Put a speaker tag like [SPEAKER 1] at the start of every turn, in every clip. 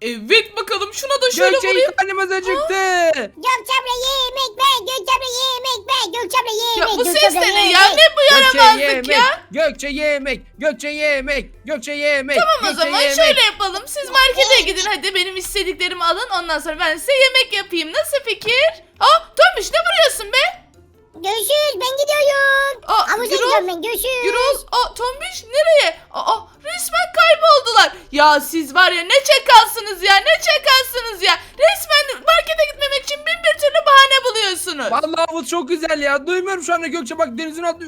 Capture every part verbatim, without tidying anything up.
[SPEAKER 1] Evet bakalım şuna da şöyle
[SPEAKER 2] Gökçe
[SPEAKER 1] vurayım.
[SPEAKER 2] karnımız acıktı.
[SPEAKER 3] Gökçe abla yemek ver. Gökçe abla yemek ver. Gökçe abla
[SPEAKER 1] Ya
[SPEAKER 3] yemek.
[SPEAKER 1] bu
[SPEAKER 3] Gökçe
[SPEAKER 1] ses
[SPEAKER 3] abla
[SPEAKER 1] de ne
[SPEAKER 3] yemek.
[SPEAKER 1] ya? Ne bu
[SPEAKER 2] Gökçe
[SPEAKER 1] yaramazlık
[SPEAKER 2] yemek.
[SPEAKER 1] ya?
[SPEAKER 2] Gökçe yemek. Gökçe yemek. Gökçe yemek.
[SPEAKER 1] Tamam o
[SPEAKER 2] Gökçe
[SPEAKER 1] zaman
[SPEAKER 2] yemek.
[SPEAKER 1] şöyle yapalım. Siz markete gidin hadi benim istediklerimi alın. Ondan sonra ben size yemek yapayım. Nasıl fikir? Aa Tombiş ne vuruyorsun be?
[SPEAKER 3] Görüşürüz ben gidiyorum.
[SPEAKER 1] Aa,
[SPEAKER 3] Havuza
[SPEAKER 1] Gürol,
[SPEAKER 3] gidiyorum ben görüşürüz.
[SPEAKER 1] Gürol, aa Tombiş nereye? Aa resmen kayboldular. Ya siz var ya ne çakalsınız ya ne çakalsınız ya. Resmen markete gitmemek için bin bir türlü bahane buluyorsunuz.
[SPEAKER 2] Vallahi havuz çok güzel ya. Duymuyorum şu anda Gökçe bak denizin altı.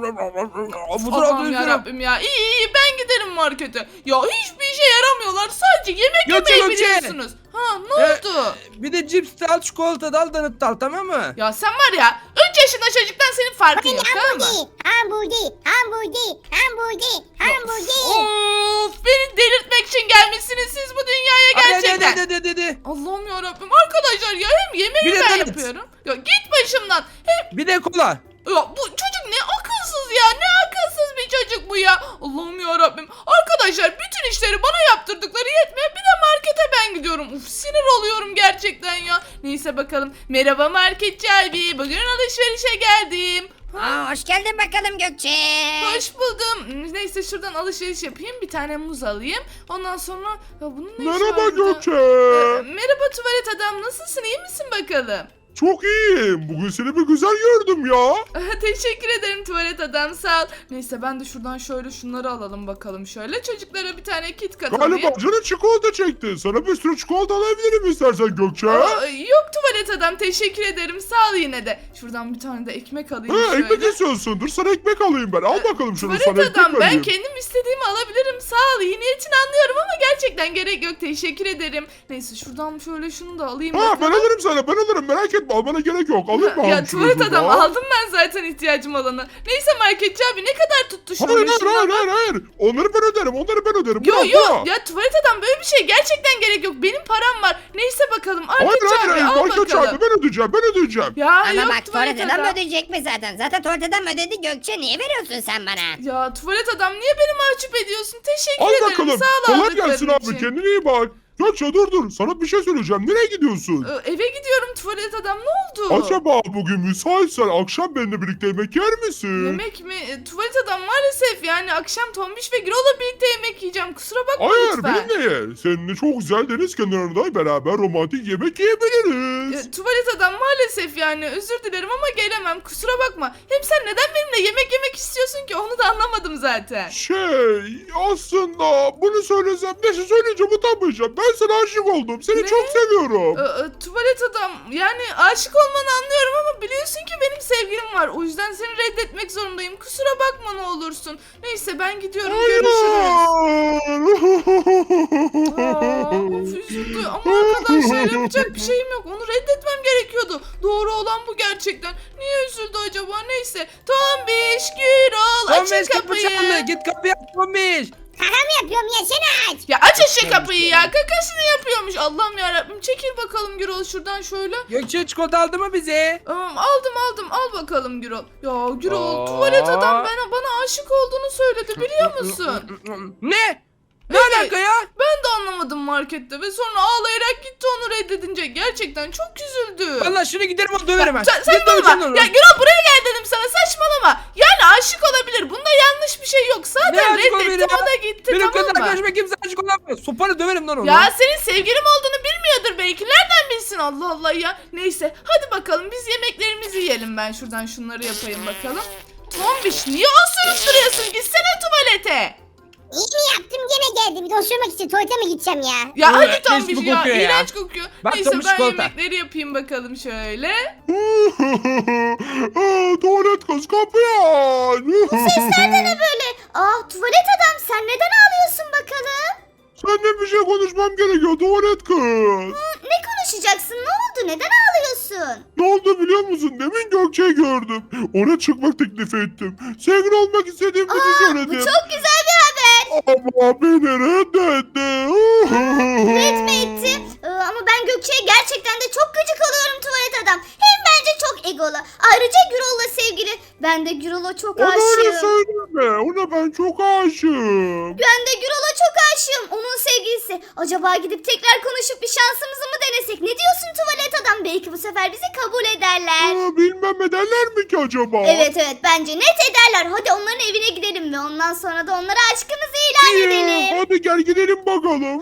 [SPEAKER 2] Havuzun
[SPEAKER 1] Aman
[SPEAKER 2] altı.
[SPEAKER 1] yarabbim ya. İyi iyi ben giderim markete. Ya hiçbir işe yaramıyorlar. Sadece yemek
[SPEAKER 2] Gökçe,
[SPEAKER 1] yemeyi
[SPEAKER 2] Gökçe.
[SPEAKER 1] biliyorsunuz. Ha ne
[SPEAKER 2] Ee,
[SPEAKER 1] oldu?
[SPEAKER 2] Bir de cips de al, çikolata da al, donut da al, tamam mı?
[SPEAKER 1] Ya sen var ya üç yaşında çocuktan senin farkın yok tamam mı?
[SPEAKER 3] Hamburger. Hamburger. Hamburger. Hamburger.
[SPEAKER 1] Of beni delirtmek için gelmişsiniz siz bu dünyaya
[SPEAKER 2] Hadi,
[SPEAKER 1] gerçekten.
[SPEAKER 2] hadi, hadi, hadi, hadi.
[SPEAKER 1] Allah'ım yarabbim arkadaşlar ya hem yemeği
[SPEAKER 2] Bir de
[SPEAKER 1] ben
[SPEAKER 2] donut.
[SPEAKER 1] yapıyorum. Ya git başımdan. Hem
[SPEAKER 2] Bir de kola.
[SPEAKER 1] ya bu çocuk ne akılsız ya ne akılsız bir çocuk bu ya. Allah'ım yarabbim. Arkadaşlar bütün işleri bana yaptırdıkları yetmiyor. Bir de markete ben gidiyorum. Uf sinir oluyorum gerçekten ya. Neyse bakalım. Merhaba marketçi abi. Bugün alışverişe geldim.
[SPEAKER 3] Aa, hoş geldin bakalım Gökçe.
[SPEAKER 1] Hoş buldum. Neyse şuradan alışveriş yapayım. Bir tane muz alayım. Ondan sonra ya bunun ne işi
[SPEAKER 4] Merhaba
[SPEAKER 1] var burada?
[SPEAKER 4] Gökçe.
[SPEAKER 1] Ee, merhaba tuvalet adam. Nasılsın? İyi misin bakalım?
[SPEAKER 4] Çok iyiyim. Bugün seni bir güzel gördüm ya.
[SPEAKER 1] Teşekkür ederim tuvalet adam sağ ol. Neyse ben de şuradan şöyle şunları alalım bakalım şöyle. Çocuklara bir tane kit kat alayım.
[SPEAKER 4] Galiba canın çikolata çekti. Sana bir sürü çikolata alabilirim istersen Gökçe.
[SPEAKER 1] Aa, yok tuvalet adam teşekkür ederim sağ ol yine de. Şuradan bir tane de ekmek alayım
[SPEAKER 4] Ha,
[SPEAKER 1] şöyle.
[SPEAKER 4] ekmek istiyorsun. Dur sana ekmek alayım ben. Al bakalım şunu, sana
[SPEAKER 1] Tuvalet
[SPEAKER 4] ekmek
[SPEAKER 1] adam ben
[SPEAKER 4] vereyim.
[SPEAKER 1] kendim istediğimi alabilirim sağ ol. İyi niyetini anlıyorum ama gerçekten gerek yok teşekkür ederim. Neyse şuradan şöyle şunu da alayım.
[SPEAKER 4] Ha, ben
[SPEAKER 1] bakalım.
[SPEAKER 4] alırım sana, ben alırım. Merak etme, almana gerek yok. Alayım mı?
[SPEAKER 1] Ya
[SPEAKER 4] abi şunu
[SPEAKER 1] tuvalet
[SPEAKER 4] şuradan?
[SPEAKER 1] adam aldım ben zaten ihtiyacım olanı. Neyse marketçi abi ne kadar tuttu şöyle
[SPEAKER 4] Hayır hayır
[SPEAKER 1] şuna
[SPEAKER 4] hayır
[SPEAKER 1] bak.
[SPEAKER 4] hayır hayır. Onları ben öderim. Onları ben öderim.
[SPEAKER 1] Yo
[SPEAKER 4] Bırak,
[SPEAKER 1] yo
[SPEAKER 4] bırak.
[SPEAKER 1] ya tuvalet adam böyle bir şey gerçekten gerek yok. Benim param var. Neyse bakalım
[SPEAKER 4] Hayır
[SPEAKER 1] marketçi
[SPEAKER 4] hayır
[SPEAKER 1] abi
[SPEAKER 4] hayır.
[SPEAKER 1] al
[SPEAKER 4] Market
[SPEAKER 1] bakalım.
[SPEAKER 4] çarpı, ben ödeyeceğim. Ben ödeyeceğim.
[SPEAKER 1] Ya
[SPEAKER 5] Ama
[SPEAKER 1] yok
[SPEAKER 5] bak tuvalet adam
[SPEAKER 1] adam.
[SPEAKER 5] ödeyecek mi zaten? Zaten tuvalet adam ödedi Gökçe. Niye veriyorsun sen bana?
[SPEAKER 1] Ya tuvalet adam niye beni mahcup ediyorsun? Teşekkür
[SPEAKER 4] Al
[SPEAKER 1] ederim.
[SPEAKER 4] bakalım.
[SPEAKER 1] Sağ ol
[SPEAKER 4] Kolay
[SPEAKER 1] aldıkların
[SPEAKER 4] gelsin abi.
[SPEAKER 1] için.
[SPEAKER 4] Kendine iyi bak. Gökçe dur dur. Sana bir şey söyleyeceğim. Nereye gidiyorsun?
[SPEAKER 1] Ee, Eve gidiyorum tuvalet adam ne oldu?
[SPEAKER 4] Acaba bugün müsaitsen akşam benimle birlikte yemek yer misin?
[SPEAKER 1] Yemek mi? E, tuvalet adam maalesef yani akşam Tombiş ve Gürol'la birlikte yemek yiyeceğim. Kusura bakma
[SPEAKER 4] Hayır
[SPEAKER 1] lütfen.
[SPEAKER 4] benimle ye. Seninle çok güzel deniz kenarında beraber romantik yemek yiyebiliriz.
[SPEAKER 1] E, tuvalet adam maalesef yani özür dilerim ama gelemem kusura bakma. Hem sen neden benimle yemek yemek istiyorsun ki onu da anlamadım zaten.
[SPEAKER 4] Şey aslında bunu söylesem neyse söyleyeceğim utanmayacağım. Ben sana aşık oldum. Seni
[SPEAKER 1] Ne?
[SPEAKER 4] çok seviyorum.
[SPEAKER 1] E, e, tuvalet adam yani aşık olmanı anlıyorum ama biliyorsun ki benim sevgilim var. O yüzden seni reddetmek zorundayım. Kusura bakma ne olursun. Neyse ben gidiyorum görüşürüz. Aa, of üzüldü ama arkadaşlar yapacak bir şeyim yok. Onu reddetmem gerekiyordu. Doğru olan bu gerçekten. Niye üzüldü acaba? Neyse. Tombiş, Gürol açın
[SPEAKER 2] Tombiş kapı
[SPEAKER 1] kapıyı.
[SPEAKER 2] çaldı. Git kapıyı aç Tombiş.
[SPEAKER 3] Kaka mı yapıyorum ya sen aç.
[SPEAKER 1] Ya aç şu kapıyı ya. Kakasını yapıyormuş. Allah'ım yarabbim. Çekil bakalım Gürol şuradan şöyle.
[SPEAKER 2] Gökçe çikolata aldı mı bize?
[SPEAKER 1] Tamam aldım aldım. Al bakalım Gürol. Ya Gürol
[SPEAKER 2] Aa.
[SPEAKER 1] tuvalet adam bana, bana aşık olduğunu söyledi biliyor musun?
[SPEAKER 2] Ne? Ne
[SPEAKER 1] Evet.
[SPEAKER 2] alaka ya?
[SPEAKER 1] Ben de anlamadım markette ve sonra ağlayarak gitti onu reddedince. Gerçekten çok üzüldü.
[SPEAKER 2] Vallahi şunu giderim onu döverim ben.
[SPEAKER 1] Sen,
[SPEAKER 2] Git
[SPEAKER 1] saçmalama.
[SPEAKER 2] döveceğim onu.
[SPEAKER 1] Ya Gürol buraya gel dedim sana saçmalama. Yani aşık olabilir. Bunda yanlış bir şey yok.
[SPEAKER 2] Ne
[SPEAKER 1] Zaten
[SPEAKER 2] aşık olabilir
[SPEAKER 1] reddetti
[SPEAKER 2] ya?
[SPEAKER 1] o da gitti
[SPEAKER 2] Benim kız
[SPEAKER 1] tamam mı?
[SPEAKER 2] arkadaşıma kimse aşık olamaz. Sopanı döverim lan onu.
[SPEAKER 1] Ya senin sevgilim olduğunu bilmiyordur belki. Nereden bilsin Allah Allah ya. Neyse hadi bakalım biz yemeklerimizi yiyelim. Ben şuradan şunları yapayım bakalım. Tombiş niye osurup duruyorsun? Gitsene tuvalete.
[SPEAKER 3] İyi mi yaptım gene geldim. Bir de osurmak için tuvalete mi gideceğim ya?
[SPEAKER 1] Ya
[SPEAKER 2] Ee,
[SPEAKER 1] hadi
[SPEAKER 2] leş
[SPEAKER 1] Tombiş
[SPEAKER 2] gibi
[SPEAKER 1] ya.
[SPEAKER 2] kokuyor ya.
[SPEAKER 1] İğrenç kokuyor.
[SPEAKER 2] Bak
[SPEAKER 1] Neyse
[SPEAKER 2] Tombiş
[SPEAKER 1] ben
[SPEAKER 2] çikolata.
[SPEAKER 1] yemekleri yapayım bakalım şöyle.
[SPEAKER 4] Aa, tuvalet kız kapıyı aç.
[SPEAKER 3] Sesler ne böyle? Ah tuvalet adam sen neden ağlıyorsun bakalım?
[SPEAKER 4] Seninle bir şey konuşmam gerekiyor tuvalet kız.
[SPEAKER 3] Ne konuşacaksın? Ne oldu? Neden ağlıyorsun?
[SPEAKER 4] Ne oldu biliyor musun? Demin Gökçe'yi gördüm. Ona çıkmak teklif ettim. Sevgili olmak istediğimizi söyledim.
[SPEAKER 3] Bu çok güzel bir haber.
[SPEAKER 4] Ama beni reddetti.
[SPEAKER 3] Etme etti. Ee, ama ben Gökçe'ye gerçekten de çok gıcık oluyorum tuvalet adam. Hem bence çok egolu. Ayrıca Gürol'la sevgili. Ben de Gürol'a çok
[SPEAKER 4] Ona öyle
[SPEAKER 3] aşığım.
[SPEAKER 4] söyleme. Ona ben çok aşığım.
[SPEAKER 3] Ben de Gürol'a çok çok aşığım. Onun sevgilisi. Acaba gidip tekrar konuşup bir şansımızı mı denesek? Ne diyorsun tuvalet adam? Belki bu sefer bizi kabul ederler.
[SPEAKER 4] Aa, bilmem ederler mi ki acaba?
[SPEAKER 3] Evet evet bence net ederler. Hadi onların evine gidelim ve ondan sonra da onlara aşkımızı ilan
[SPEAKER 4] İyi,
[SPEAKER 3] edelim.
[SPEAKER 4] hadi gel gidelim bakalım.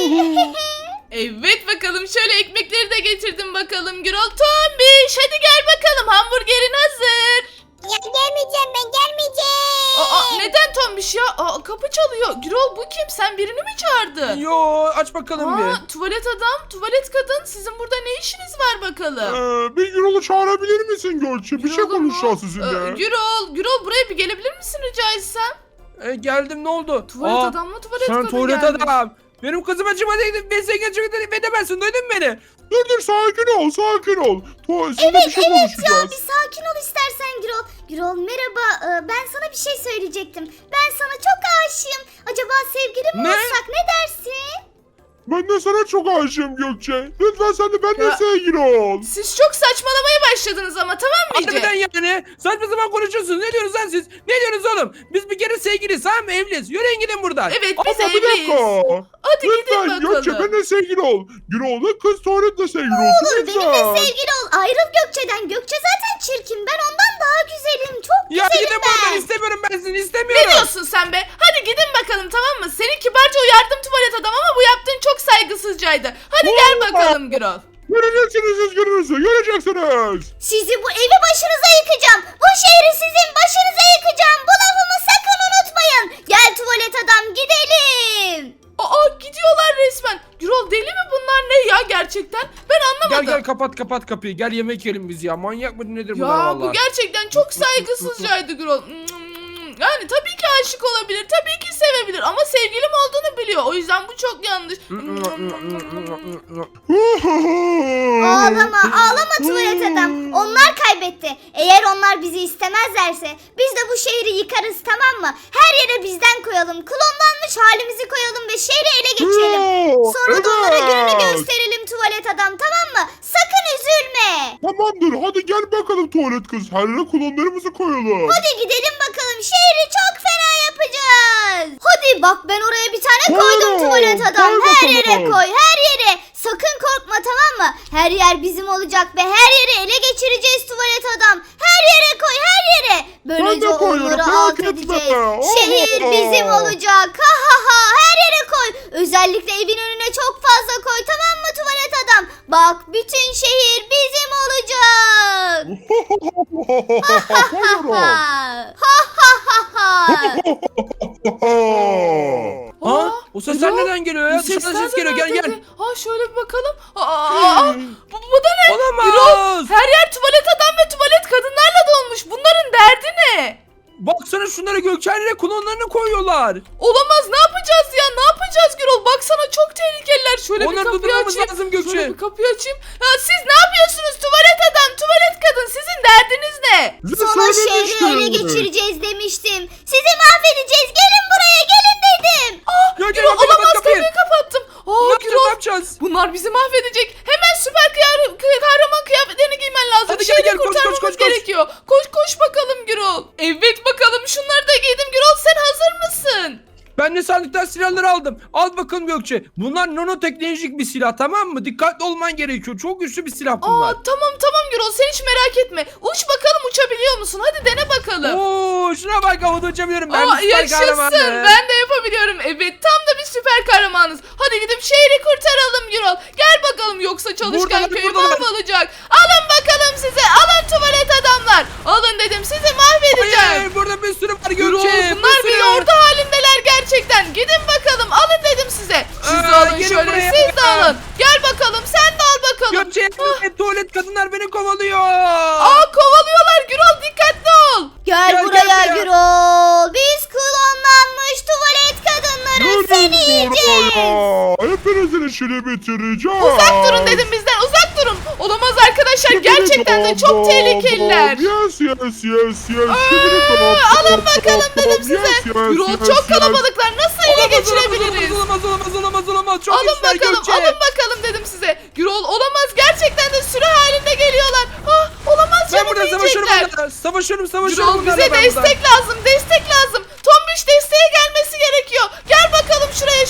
[SPEAKER 1] Evet bakalım şöyle ekmekleri de getirdim bakalım Gürol. Tombiş hadi gel bakalım hamburgerin hazır.
[SPEAKER 3] Ya gelmeyeceğim ben gelmeyeceğim.
[SPEAKER 1] Aa, neden Tombiş ya? Aa, kapı çalıyor. Gürol bu kim? Sen birini mi çağırdın?
[SPEAKER 2] Yo aç bakalım bir.
[SPEAKER 1] Aa, tuvalet adam, tuvalet kadın. Sizin burada ne işiniz var bakalım?
[SPEAKER 4] Ee, bir Gürol'u çağırabilir misin Gökçe? Bir şey
[SPEAKER 1] Gürol'u mu?
[SPEAKER 4] konuşacağız
[SPEAKER 1] Ee,
[SPEAKER 4] sizinle.
[SPEAKER 1] Gürol, Gürol buraya bir gelebilir misin rica etsem?
[SPEAKER 2] E, geldim ne oldu?
[SPEAKER 1] Tuvalet
[SPEAKER 2] Aa,
[SPEAKER 1] adamla tuvalet
[SPEAKER 2] sen
[SPEAKER 1] kadın
[SPEAKER 2] tuvalet
[SPEAKER 1] gelmiş.
[SPEAKER 2] adam. Benim kızıma çıkmadıydın. Ben sen çıkmadıydın. Edemezsin. Duydun mu beni?
[SPEAKER 4] Dur dur sakin ol sakin ol. Tu sizinle
[SPEAKER 3] Evet
[SPEAKER 4] bir şey
[SPEAKER 3] evet ya
[SPEAKER 4] konuşacağız.
[SPEAKER 3] bir sakin ol istersen Gürol. Gürol merhaba Ee, ben sana bir şey söyleyecektim. Ben sana çok aşığım. Acaba sevgili mi
[SPEAKER 2] Ne?
[SPEAKER 3] olsak ne dersin?
[SPEAKER 4] Ben de sana çok aşığım Gökçe. Lütfen sen de benimle
[SPEAKER 1] Ya-
[SPEAKER 4] sevgili ol.
[SPEAKER 1] Siz çok saçmalamaya başladınız ama tamam mı İyice?
[SPEAKER 2] Harbiden yani. Saçma zaman konuşuyorsunuz. Ne diyorsunuz lan siz? Ne diyorsunuz oğlum? Biz bir kere sevgiliyiz tamam mı? Evliyiz. Yürüyün gidin buradan.
[SPEAKER 1] Evet biz
[SPEAKER 4] Ama bir
[SPEAKER 1] evliyiz.
[SPEAKER 4] dakika.
[SPEAKER 1] Hadi gidin
[SPEAKER 4] Lütfen
[SPEAKER 1] bakalım.
[SPEAKER 4] Gökçe benimle sevgili ol. Gürol'la kız tuvaletle sevgili olsun
[SPEAKER 3] Olur
[SPEAKER 4] lütfen.
[SPEAKER 3] benimle sevgili ol. Ayrıl Gökçe'den. Gökçe zaten çirkin. Ben ondan daha güzelim. Çok
[SPEAKER 2] Ya
[SPEAKER 3] güzelim
[SPEAKER 2] gidin
[SPEAKER 3] ben.
[SPEAKER 2] buradan. İstemiyorum ben sizi.
[SPEAKER 1] Ne
[SPEAKER 2] İstemiyorum.
[SPEAKER 1] diyorsun sen be? Hadi gidin bakalım tamam mı? Seni kibarca uyardım tuvalet adam ama bu yaptığın çok saygısızcaydı. Hadi gel bakalım Gürol.
[SPEAKER 4] Göreceksiniz siz gününüzü. Göreceksiniz.
[SPEAKER 3] Sizi bu evi başınıza yıkacağım. Bu şehri sizin başınıza yıkacağım. Bu lafımı sakın unutmayın. Gel tuvalet adam gidelim.
[SPEAKER 1] Aa gidiyorlar resmen. Gürol deli mi bunlar ne ya gerçekten? Ben anlamadım.
[SPEAKER 2] Gel gel kapat kapat kapıyı. Gel yemek yiyelim biz ya. Manyak mı nedir bunlar
[SPEAKER 1] Ya
[SPEAKER 2] valla?
[SPEAKER 1] bu gerçekten çok saygısızcaydı Gürol. Yani tabii ki aşık olabilir, tabii ki sevebilir ama sevgilim olduğunu biliyor. O yüzden bu çok yanlış.
[SPEAKER 3] Ağlama ağlama tuvalet adam. Onlar kaybetti. Eğer onlar bizi istemezlerse biz de bu şehri yıkarız tamam mı? Her yere bizden koyalım. Klonlanmış halimizi koyalım ve şehri ele geçirelim. Sonra da onlara gününü gösterelim tuvalet adam tamam mı? Sakın üzülme.
[SPEAKER 4] Tamamdır hadi gel bakalım tuvalet kız. Her yere klonlarımızı koyalım.
[SPEAKER 3] Hadi gidelim bakalım şehri çok fena yapacağız. Hadi bak ben oraya bir tane koydum
[SPEAKER 4] Koyalım,
[SPEAKER 3] tuvalet adam.
[SPEAKER 4] koy
[SPEAKER 3] Her yere
[SPEAKER 4] bakalım.
[SPEAKER 3] koy her yere. Sakın korkma tamam mı? Her yer bizim olacak ve her yeri ele geçireceğiz tuvalet adam. Her yere koy her yere. Böylece
[SPEAKER 4] Ben de koyuyorum,
[SPEAKER 3] onları
[SPEAKER 4] merak
[SPEAKER 3] alt
[SPEAKER 4] etme.
[SPEAKER 3] edeceğiz.
[SPEAKER 4] Oh.
[SPEAKER 3] Şehir bizim olacak. Ha ha ha her yere koy. Özellikle evin önüne çok fazla koy tamam mı tuvalet adam? Bak bütün şehir bizim olacak.
[SPEAKER 4] Koyuyorum.
[SPEAKER 3] Ha ha ha ha.
[SPEAKER 2] Ha? O sesler
[SPEAKER 1] Gürol,
[SPEAKER 2] neden geliyor ya?
[SPEAKER 1] bu sesler
[SPEAKER 2] Dışarıdan ses
[SPEAKER 1] de
[SPEAKER 2] geliyor. Gel
[SPEAKER 1] nereden
[SPEAKER 2] gel.
[SPEAKER 1] geliyor? Ha şöyle bir bakalım. Aa, aa, bu, bu da ne?
[SPEAKER 2] Olamaz.
[SPEAKER 1] Gürol, her yer tuvalet adam ve tuvalet kadınlarla dolmuş. Bunların derdi ne?
[SPEAKER 2] Baksana şunlara Gökçen'le klonlarını koyuyorlar.
[SPEAKER 1] Olamaz ne yapacağız ya ne yapacağız Gürol baksana çok tehlikeliler şöyle
[SPEAKER 2] Onları
[SPEAKER 1] bir kapıyı
[SPEAKER 2] durdurmamız
[SPEAKER 1] açayım
[SPEAKER 2] lazım Gökçe.
[SPEAKER 1] şöyle bir kapıyı açayım ya siz ne yapıyorsunuz tuvalet adam tuvalet kadın sizin derdiniz ne?
[SPEAKER 4] Bize
[SPEAKER 3] Sana şehri
[SPEAKER 4] söylemiştin.
[SPEAKER 3] ele geçireceğiz demiştim. Sizi mahvedeceğiz. Gelin buraya gelin dedim.
[SPEAKER 2] Gökçen
[SPEAKER 1] Gürol
[SPEAKER 2] kapat
[SPEAKER 1] olamaz
[SPEAKER 2] kapıyı.
[SPEAKER 1] kapıyı kapattım.
[SPEAKER 2] Ne
[SPEAKER 1] Aa
[SPEAKER 2] yapacağız, ne
[SPEAKER 1] Gürol
[SPEAKER 2] yapacağız?
[SPEAKER 1] bunlar bizi mahvedecek hemen süper kıyar- kıy- kahraman kıyafetlerini giymen lazım
[SPEAKER 2] Hadi gel,
[SPEAKER 1] şehri
[SPEAKER 2] gel, koş,
[SPEAKER 1] kurtarmamız
[SPEAKER 2] koş, koş, koş.
[SPEAKER 1] gerekiyor koş koş bakalım Gürol evet bakalım şunları da giydim Gürol sen hazır mısın?
[SPEAKER 2] Ben de sandıktan silahları aldım. Al bakalım Gökçe. Bunlar nanoteknolojik bir silah tamam mı? Dikkatli olman gerekiyor. Çok güçlü bir silah bunlar.
[SPEAKER 1] Aa tamam tamam Gürol sen hiç merak etme uç bakalım uçabiliyor musun hadi dene bakalım.
[SPEAKER 2] Oo, şuna bak havada uçabiliyorum. Ben
[SPEAKER 1] Aa,
[SPEAKER 2] bir süper
[SPEAKER 1] yaşasın
[SPEAKER 2] kahramanım.
[SPEAKER 1] ben de yapabiliyorum evet tam da bir süper kahramanız hadi gidip şehri kurtaralım Gürol gel bakalım yoksa çalışkan
[SPEAKER 2] Buradalar,
[SPEAKER 1] köy
[SPEAKER 2] buradalar.
[SPEAKER 1] mahvolacak alın bakalım size alın tuvalet adamlar alın dedim sizi mahvedeceğim.
[SPEAKER 2] Hayır, burada bir sürü var
[SPEAKER 1] Gürol
[SPEAKER 2] Gökçe.
[SPEAKER 1] bunlar
[SPEAKER 2] bir
[SPEAKER 1] bir
[SPEAKER 2] sürü.
[SPEAKER 1] ordu halindeler gerçekten gidin bakalım alın dedim size siz de
[SPEAKER 2] Aa,
[SPEAKER 1] alın
[SPEAKER 2] gelin
[SPEAKER 1] şöyle
[SPEAKER 2] buraya.
[SPEAKER 1] siz de alın gel bakalım sen de al bakalım.
[SPEAKER 2] Gökçe
[SPEAKER 1] Ah,
[SPEAKER 2] tuvalet kadınlar beni kovalıyor.
[SPEAKER 1] aa kovalıyorlar Gürol dikkatli ol.
[SPEAKER 3] Gel,
[SPEAKER 2] Gel,
[SPEAKER 3] buraya
[SPEAKER 2] gel buraya.
[SPEAKER 3] Gürol. Biz klonlanmış tuvalet kadınları seni
[SPEAKER 4] Gelin
[SPEAKER 3] yiyeceğiz.
[SPEAKER 4] buraya. Hepinizin işini bitireceğim.
[SPEAKER 1] Uzak durun dedim bizden uzak durun. Olamaz arkadaşlar gerçekten de çok tehlikeliler.
[SPEAKER 4] Yes yes yes yes. Şimdi tamam.
[SPEAKER 1] Alın bakalım dedim size.
[SPEAKER 4] Yes, yes,
[SPEAKER 1] Gürol
[SPEAKER 4] yes,
[SPEAKER 1] çok
[SPEAKER 4] yes.
[SPEAKER 1] kalabalıklar nasıl ele
[SPEAKER 2] Olamaz,
[SPEAKER 1] geçirebiliriz?
[SPEAKER 2] Olamaz olamaz olamaz olamaz. Çok
[SPEAKER 1] Alın
[SPEAKER 2] güçler
[SPEAKER 1] bakalım
[SPEAKER 2] Gökçe.
[SPEAKER 1] alın bakalım dedim size. Gürol olamaz gerçekten de sürü halinde geliyorlar. Ah olamaz
[SPEAKER 2] Ben
[SPEAKER 1] canım
[SPEAKER 2] burada savaşıyorum
[SPEAKER 1] yiyecekler.
[SPEAKER 2] onlarla. Savaşıyorum savaşıyorum.
[SPEAKER 1] Gürol
[SPEAKER 2] onlarla
[SPEAKER 1] bize
[SPEAKER 2] ben burada.
[SPEAKER 1] destek lazım destek lazım. Tombiş desteğe gelmesi gerekiyor. Gel bakalım şuraya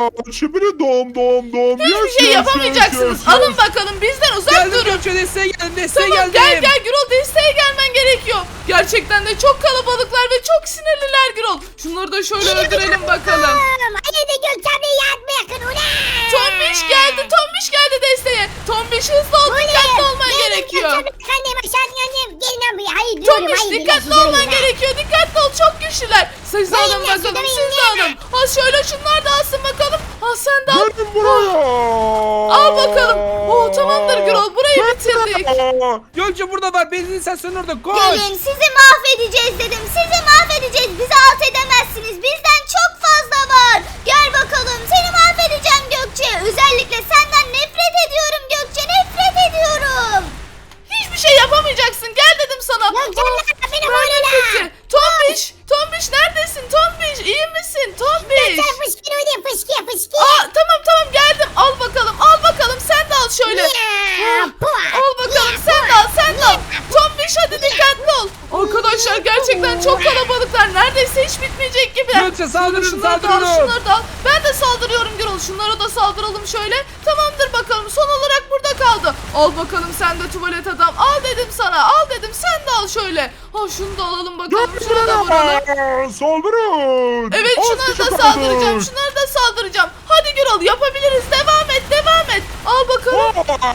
[SPEAKER 4] Şimdi doğum doğum doğum.
[SPEAKER 1] Hiçbir şey yapamayacaksınız. Alın bakalım bizden uzak
[SPEAKER 2] Geldim
[SPEAKER 1] durun.
[SPEAKER 2] Gökçe, desteğe geldim, desteğe
[SPEAKER 1] Tamam
[SPEAKER 2] geldim.
[SPEAKER 1] gel gel Gürol, desteğe gelmen gerekiyor. Gerçekten de çok kalabalıklar ve çok sinirliler Gürol. Şunları da şöyle öldürelim bakalım.
[SPEAKER 5] Hadi Gökçe abla yardım yakın ulan.
[SPEAKER 1] Tombiş geldi, Tombiş geldi desteğe. Tombiş hızlı ol, dikkatli olman gerekiyor.
[SPEAKER 5] Annem aşağı annem gelin lan buraya. Hayır diyorum
[SPEAKER 1] Tombiş
[SPEAKER 5] hayır.
[SPEAKER 1] dikkatli olman gerekiyor, dikkatli ol, çok güçlüler. Siz de
[SPEAKER 5] Hayır,
[SPEAKER 1] alın
[SPEAKER 5] hayır,
[SPEAKER 1] bakalım,
[SPEAKER 5] hayır,
[SPEAKER 1] siz de
[SPEAKER 5] hayır.
[SPEAKER 1] alın. Ha şöyle şunlar da alsın bakalım. Ha sen de al.
[SPEAKER 4] Gelin buraya.
[SPEAKER 1] Al bakalım. Oo tamamdır Gürol, burayı bitirdik.
[SPEAKER 2] Gökçe burada var, benzin istasyonu orada, koş.
[SPEAKER 3] Gelin sizi mahvedeceğiz dedim. Sizi mahvedeceğiz. Bizi alt edemezsiniz. Bizden çok fazla var. Gel bakalım. Seni mahvedeceğim Gökçe. Özellikle senden nefret ediyorum Gökçe. Nefret ediyorum.
[SPEAKER 1] Hiçbir şey yapamayacaksın. Gel dedim sana.
[SPEAKER 5] Gökçe abla beni
[SPEAKER 1] Böyle
[SPEAKER 5] vurun
[SPEAKER 1] kötü. Tombiş, Tombiş neredesin? Tombiş, iyi misin? Tombiş.
[SPEAKER 5] Sen fışkı oynayın fışkı fışkı.
[SPEAKER 1] Aa tamam tamam geldim. Al bakalım, al bakalım. Sen de al şöyle.
[SPEAKER 5] Ya, puh.
[SPEAKER 1] Al bakalım, sen de al, sen de al. Tombiş hadi dikkatli ol. Arkadaşlar gerçekten çok kalabalıklar. Neredeyse hiç bitmeyecek gibi.
[SPEAKER 2] Gökçe saldırın,
[SPEAKER 1] Şunları da al,
[SPEAKER 2] saldırın.
[SPEAKER 1] şunları da al. Ben de saldırıyorum Gürol. Şunlara da saldıralım şöyle. Tamamdır bakalım. Son olarak burada kaldı. Al bakalım sen de tuvalet adam. Al dedim sana. Al dedim. Sen de al şöyle. Ha şunu da alalım bakalım.
[SPEAKER 4] Gelin
[SPEAKER 1] Şuna da vuralım.
[SPEAKER 4] buraya. Saldırın.
[SPEAKER 1] Evet
[SPEAKER 4] Az
[SPEAKER 1] şunları
[SPEAKER 4] kişi
[SPEAKER 1] da
[SPEAKER 4] kaldı.
[SPEAKER 1] saldıracağım. Şunları da saldıracağım. Hadi Gürol yapabiliriz. Devam et. Devam et. Al bakalım.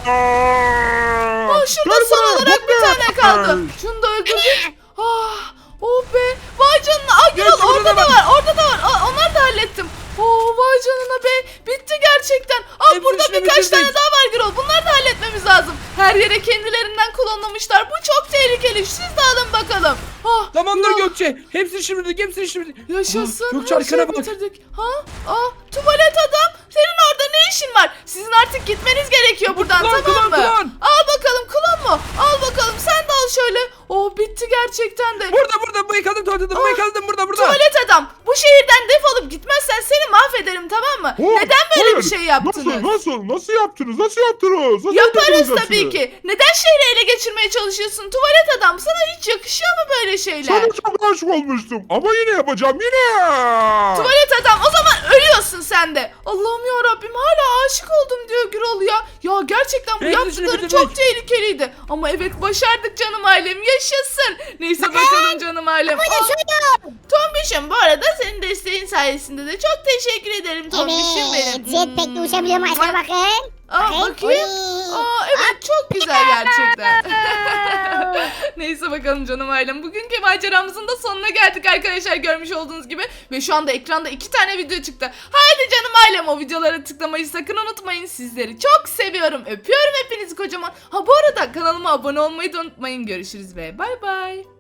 [SPEAKER 1] Aa, şurada
[SPEAKER 4] Gel
[SPEAKER 1] son
[SPEAKER 4] buraya,
[SPEAKER 1] olarak bir
[SPEAKER 4] buraya.
[SPEAKER 1] tane kaldı. Şunu da öldürdük. Ah, oh be. Vay canına. Aa Gürol
[SPEAKER 2] Gökçe,
[SPEAKER 1] orada
[SPEAKER 2] burada
[SPEAKER 1] da
[SPEAKER 2] bak.
[SPEAKER 1] var. Orada da var. Aa, onları da hallettim. Oo vay canına be. Bitti gerçekten. Aa
[SPEAKER 2] Hepsini
[SPEAKER 1] burada
[SPEAKER 2] şimdi
[SPEAKER 1] birkaç
[SPEAKER 2] bitirdik.
[SPEAKER 1] tane daha var Gürol. Bunları da halletmemiz lazım. Her yere kendilerinden klonlamışlar. Bu çok tehlikeli. Siz de alın bakalım. Ah,
[SPEAKER 2] Tamamdır
[SPEAKER 1] Gürol.
[SPEAKER 2] Gökçe, hepsini şimdilik, hepsini şimdilik.
[SPEAKER 1] Yaşasın.
[SPEAKER 2] Ah, Gökçe
[SPEAKER 1] her
[SPEAKER 2] arkana
[SPEAKER 1] şeyi
[SPEAKER 2] bak.
[SPEAKER 1] bitirdik. Ha? Aa, tuvalet adam. Senin orada ne işin var? Sizin artık gitmeniz gerekiyor buradan,
[SPEAKER 2] Klon,
[SPEAKER 1] tamam
[SPEAKER 2] klon,
[SPEAKER 1] mı?
[SPEAKER 2] klon.
[SPEAKER 1] Al bakalım klon mu? Al bakalım sen de al şöyle. Oh bitti gerçekten de.
[SPEAKER 2] Burada burada, bu yıkadım tuvaleti, bu
[SPEAKER 1] Ah,
[SPEAKER 2] yıkadım burada burada.
[SPEAKER 1] Tuvalet adam. Bu şehirden defolup gitmezsen seni mahvederim, tamam mı?
[SPEAKER 4] Oh,
[SPEAKER 1] Neden böyle
[SPEAKER 4] hayır.
[SPEAKER 1] bir şey yaptınız?
[SPEAKER 4] Nasıl nasıl nasıl yaptınız? Nasıl yaptınız? Nasıl
[SPEAKER 1] Yaparız
[SPEAKER 4] yaptınız
[SPEAKER 1] tabii
[SPEAKER 4] hepsini?
[SPEAKER 1] ki. Neden şehri ele geçirmeye çalışıyorsun? Tuvalet adam, sana hiç yakışıyor mu böyle şeyler?
[SPEAKER 4] Sana çok aşık olmuştum ama yine yapacağım yine.
[SPEAKER 1] Tuvalet adam, o zaman ölüyorsun sen de. Allah'ım ya Rabbim, hala aşık oldum diyor Gürol ya. Ya gerçekten bu
[SPEAKER 2] Hepsini
[SPEAKER 1] yaptıkları
[SPEAKER 2] bitirdik.
[SPEAKER 1] çok tehlikeliydi. Ama evet başardık canım ailem, yaşasın. Neyse bakalım canım ailem. Aa, Tombiş'im bu arada senin desteğin sayesinde de çok teşekkür ederim Tombiş'im
[SPEAKER 5] Evet.
[SPEAKER 1] benim.
[SPEAKER 5] Jetpack'le uçabiliyorum aşağı bakın.
[SPEAKER 1] Aa, bakayım. Aa, evet çok güzel gerçekten. Neyse bakalım canım ailem. Bugünkü maceramızın da sonuna geldik arkadaşlar, görmüş olduğunuz gibi. Ve şu anda ekranda iki tane video çıktı. Haydi canım ailem, o videolara tıklamayı sakın unutmayın. Sizleri çok seviyorum. Öpüyorum hepinizi kocaman. Ha bu arada kanalıma abone olmayı da unutmayın. Görüşürüz ve bay bay.